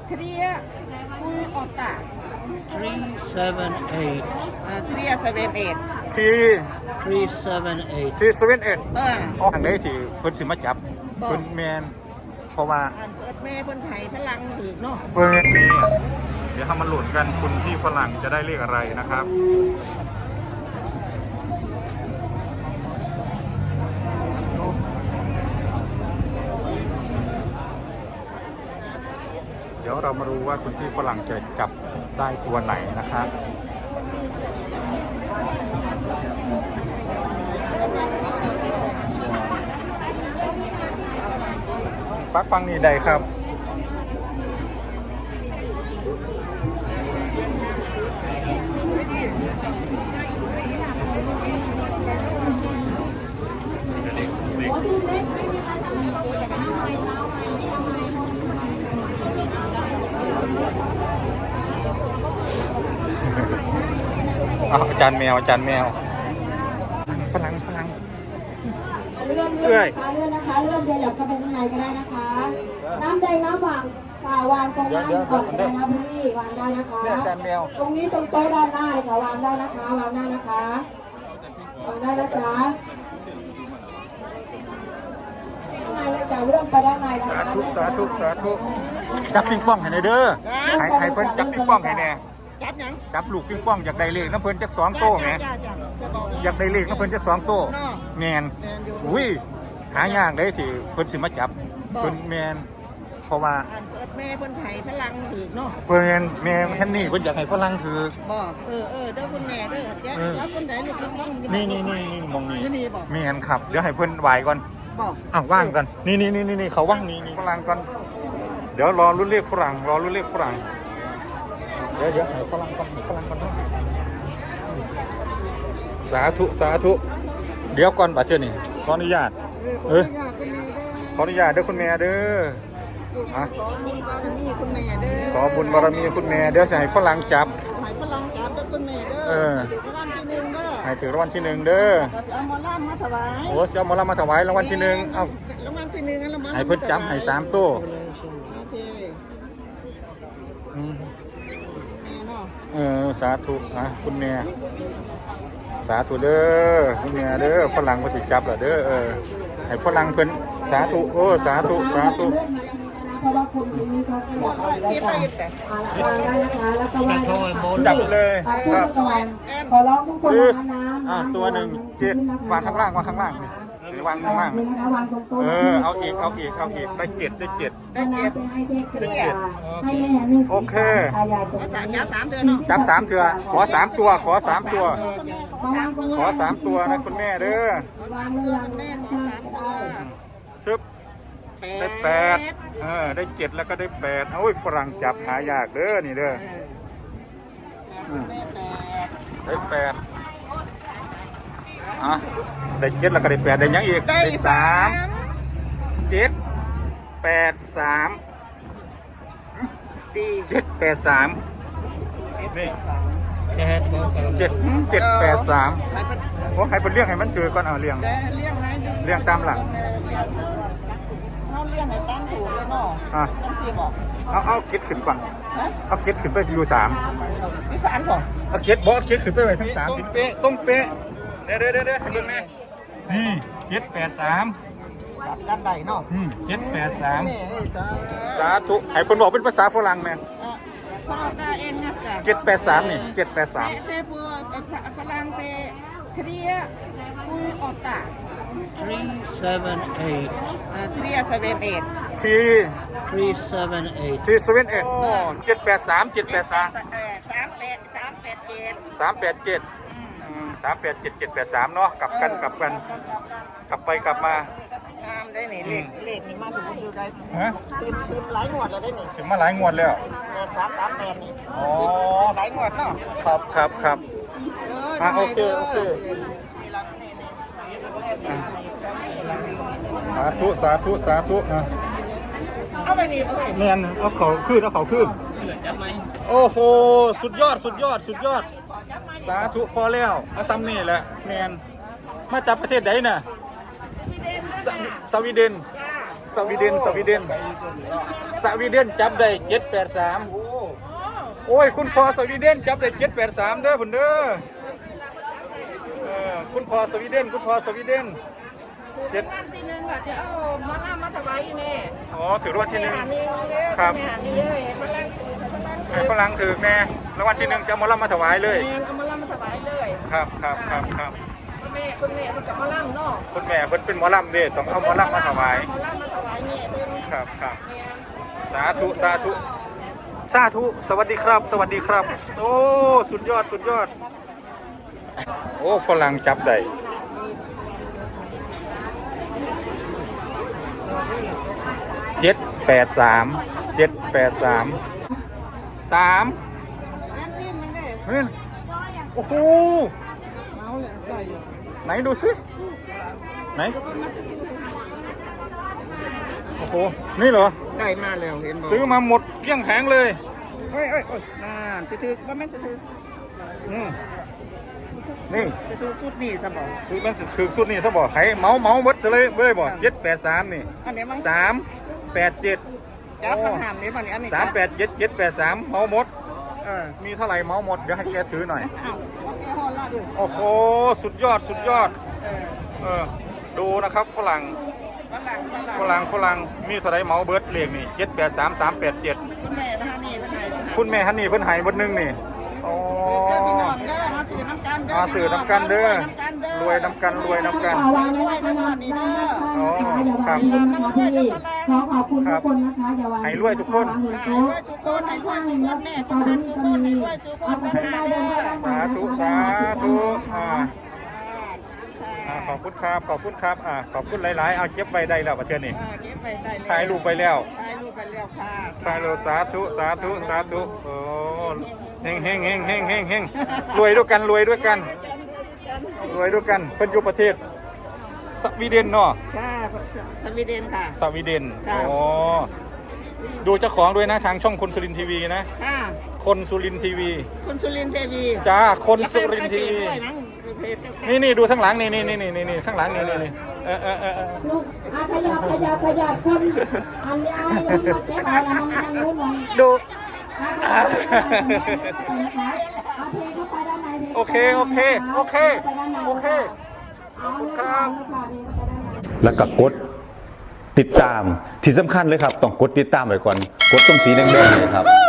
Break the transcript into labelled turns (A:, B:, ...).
A: Tria Otta
B: 378
A: Tria 78
C: ที
B: 378
C: ที7-1ออกทางไหนที่เพิ่นสิมาจับ
A: บอก
C: เพิ่นแมนเพราะว่า
A: อันเปิดแม่เพิ่นไทยพลังถือเนาะ
C: เพิ่นมีเดี๋ยวทำมันหลุนกันคุณที่ฝรั่งจะได้เลขอะไรนะครับเดี๋ยวเรามารู้ว่าคุณที่ฝรั่งจะจับได้ตัวไหนนะครับปักปังนี่ใดครับอาจารย์แมวอาจารย์แมวฝรั่ง
D: เลื่อนนะคะเลื่อนขยับกันไปข้างในก็ได้นะคะ น้ำแดงน้ำหวานวางตรงนั้นก่อนได้นะพี่วางได้นะคะ
C: อาจารย์แมว
D: ตรงนี้ตรงโต๊ะด้านหน้าเลยค่ะวางได้นะคะวางได้นะคะวางได้นะจ๊ะข้างในนะจ๊ะเลื่อนไปด้านในนะคะ
C: สาธุจับปิงป้องให้หน่อยเด้อให้เพิ่นจับปิงป้องให้แน่
A: จับหยัง
C: จับลูกปิงป้องอยากได้เลขน้ำเพิ่นจัก2โต้แหม
A: จ้า
C: อยากได้เลขน้ำเพิ่นจัก2โต้แมนอุ้ยหายากเลยที่เพิ่นสิมาจับเพิ่นแมนเพราะว่า
A: อันเปิดแม่เพิ่นไทยพลังถือเนาะ
C: เพิ่นแม่แค่นี้เพิ่นอยากให้ฝรั่งถือ
A: บอกเด้อคุณแม่เด้อแจ๊แล้วคนไหนลูกน้อง
C: นี่มองนี่
A: นี่บอก
C: แม่นครับเดี๋ยวให้เพิ่นไหวก่อน
A: บอก
C: อ้าวว่างกันนี่เขาว่างนี่ฝรั่งก่อนเดี๋ยวรอรุ่นเลขฝรั่งเดี๋ยวให้ฝรั่งก่อนเนาะสาธุเดี๋ยวก่อนบัดเทื่อนี่ขออนุญาตขออนุญาตเด้อคุณแม่เด้อฮะ
A: ขอบุญบารมีคุณแม่เด้อ
C: ขอบุญบารมีคุณแม่เดี๋ยวจะให้ฝรั่งจับ
A: ให้พลังจับเด้อคุณแม่เด้อถือรางวัลที่1เด้อ
C: ให้ถือรางวัลที่1เด้อ
A: ก็สิเอาหมอลำมาถวาย
C: โอ้เสียหมอลำมาถวายรางวัลที่1เอ้าร
A: างวัลที่1แล้วมา
C: ให้เพิ่นจับให้3ตัว
A: โอเคแม่เนาะ
C: สาธุคุณแม่สาธุเด้อคุณแม่เด้อฝรั่งเพิ่นสิจับล่ะเด้อให้ฝรั่งเพิ่นสาธุสาธุ
D: เพราะว่าคนที่นี่เขาก็อยากได้กันวางได้นะคะแล้วก็วาง
C: จับเลยครับ
D: ขอร้องทุกคนน้ำ
C: ตัวหนึ่งเจ็ดวางข้างล่างนี่หรือวางข้างล่าง
D: นะคะวางตรงโต๊ะ
C: เอาอีกได้เจ็ด
D: น้ำเป็นให้เทพเกียรติให้แม่นี่
C: โอเค
A: ภาษาจับ3เดือนเนาะ
C: จับ3เถื่อขอ3ตัวขอ3ตัว
D: มาวางตรง
C: ขอ3ตัวนะคุณแม่เด้อ
D: วางเลย
A: แม่ขอ3ตัว
C: ชึบได้8ได้7แล้วก็ได้8โอ้ยฝรั่งจับหายากเด้อนี่เด้อ
A: แม่8
C: ได้8ได้7แล้วก็ได้8ได้ยังอีกได้3 7 8 3
A: ดี
C: 7 8 3นี่7 8 3โอ้ให้เป็นเรื่องให้มันถือก่อนเรื่อง
A: แต่เลี้ยงไหน
C: เรื่องตามหลัก
A: เขาเลี้ยงให้ตั้งถูกเลยเนาะต้องสิบอก
C: เอาเก็ตขึ้นก่อน
A: ฮะ
C: เอาเก็ตขึ้นไปอยู่3
A: วิสานบ่
C: เอาเก็ตบอกเอาเก็ตขึ้นไปไว้ทั้ง3ต้องเป๊ะเดี๋ยวให้เบิ่งแม่นี่7 8 3
A: จับกันได้เนาะ
C: 7 8
A: แม่
C: 3
A: เฮ้ย
C: สาธุให้เพิ่นบอกเป็นภาษาฝรั่งแม่
A: พอตาเอ็นงัสกะ
C: 7 8 3นี่7 8 3
A: เซปัวฝรั่งเศสเทรียคูออตตา
B: 378
A: เทรีย78
C: ที
B: 378
C: ที7 8 โอ้7 8 3 7 8 3
A: 387
C: 387 387 7 8 3เนาะกลับกันกลับไปกลับมาง
A: ามได้นี่เลขนี่มาถึงอยู่ได้
C: ฮะ
A: เต็มหลายงวดแล้วได้นี่
C: ถึงมาหลายงวดแล้ว
A: 338นี่
C: อ๋อ
A: หลายงวดเนาะ
C: ครับโอเคสาธุ
A: เอาไปนี่เอ้ย
C: แมนเอาเขาขึ้นโอ้โหสุดยอดสาธุพอแล้วเอาซ้ำนี่แหละแมนมาจากประเทศไหนน่ะสวีเดนสวีเดนสวีเดนสวีเดนจับได้783โอ้ยคุณพ่อสวีเดนจับได้783เด้อพุ่นเด้อคุณพ่อสวีเดนคุณพ่อสวีเดน
A: วันที่หนึ่งก็จะเอามาล่ามาถวายแม่
C: อ๋อถือรางวัลที่หนึ่ง
A: ครับ
C: ให้ฝรั่งถือแม่รางวัลที่หนึ่งจะเอาหมอลำมาถวายเลย
A: เอามาล่ามาถวายเลย
C: ครับครับครับครับ
A: คุณแม่มันกับมาล่าเนาะ
C: คุณแม่เพิ่นเป็นหมอลำเด้ต้องเอาหมอลำมาถวาย
A: มาล่ามาถวายแม่เพิ่น
C: ครับครับสาธุสาธุสาธุสวัสดีครับ สวัสดีครับ โอ้สุดยอดสุดยอดโอ้ฝรั่งจับได้783 3
A: อันนี้มันได้
C: เฮ้ยโอ้โห
A: เมาเลยได้อยู่
C: ไหนดูสิไหนโอ้โหนี่เหรอ
A: ได้มาแล้วเห็นบ่
C: ซื้อมาหมดเกลี้ยงแผงเลย
A: โอ้ยนั่นจะถือว่าแม่จะถือ
C: นี่
A: จะถือฟุตนี่ซะบ่
C: ซื้อมันสิถือสุดนี่ซะบ่ให้เมาหมดเลยบ่783นี่
A: อันนี้มัน
C: 387
A: จับคำถามนี้ป่ะนี่อันนี้
C: 387 783เมาหมดมีเท่าไหร่เมาหมดเดี๋ยวให้แกถือหน่อย
A: อ้าวแกฮอลล่าดิ
C: โอ้โหสุดยอดสุดยอดดูนะครับฝรั่งมีเท่าไหร่เมาเบิร์ดเลขนี่783 387
A: คุณแม่นะฮะนี่เป็นไง
C: คุณแม่ฮันนี่เพิ่นให้เบิดนึงนี่อ๋อ
A: พี่น้องเด้อมาสื่อน้ำกันเด้อ
C: มาสื่อน้ำกันเด้อรวยน้ำกันรวยน้ำกัน
D: วางไว้ในนั้นได้นะคะอย่าวางลืมนะคะพี่ขอขอบคุณทุกคนนะคะอย่าวาง
C: ให้รวยทุกคน
D: โต๊ะในข้างแล้วตอนนี้ก็มีเอาไปได้เดินไปด้านหลัง
C: สาธุสาธุขอบคุณครับขอบคุณครับขอบคุณหลายๆเอาเก็บไว้ได้แล้วประเทศนี้
A: เก็บไปได้เลย
C: ถ่ายรูปไปแล้ว
A: ถ่ายรูปไปแล้วค่ะ
C: ถ่ายรูปสาธุสาธุสาธุโอ้เฮงเฮงเฮงเฮงเฮงเฮงรวยด้วยกันรวยด้วยกันรวยด้วยกันเพิ่นอยู่ประเทศสวีเดนเนาะ
A: ค่ะสวีเดนค่ะ
C: สวีเดน
A: ค่ะ
C: อ๋อดูเจ้าของด้วยนะทางช่องคนสุรินทร์ทีวีนะ
A: ค่ะ
C: คนสุรินทร์ทีวี
A: คุณสุรินทร์เทวี
C: จ้าคนสุรินทร์ทีวี
A: ด้วยมั้งเพจ
C: นี่ดูข้างหลังนี่ข้างหลังนี่
D: ลูกขยับคนอันนี้ไอ้ยังมาเก็บเอาแล้วมันยังรู้มัน
C: ดู
D: โอเคขอบคุณครับ
E: แล้วก็กดติดตามที่สำคัญเลยครับต้องกดติดตามไว้ก่อนกดตรงสีแดงๆเลยครับ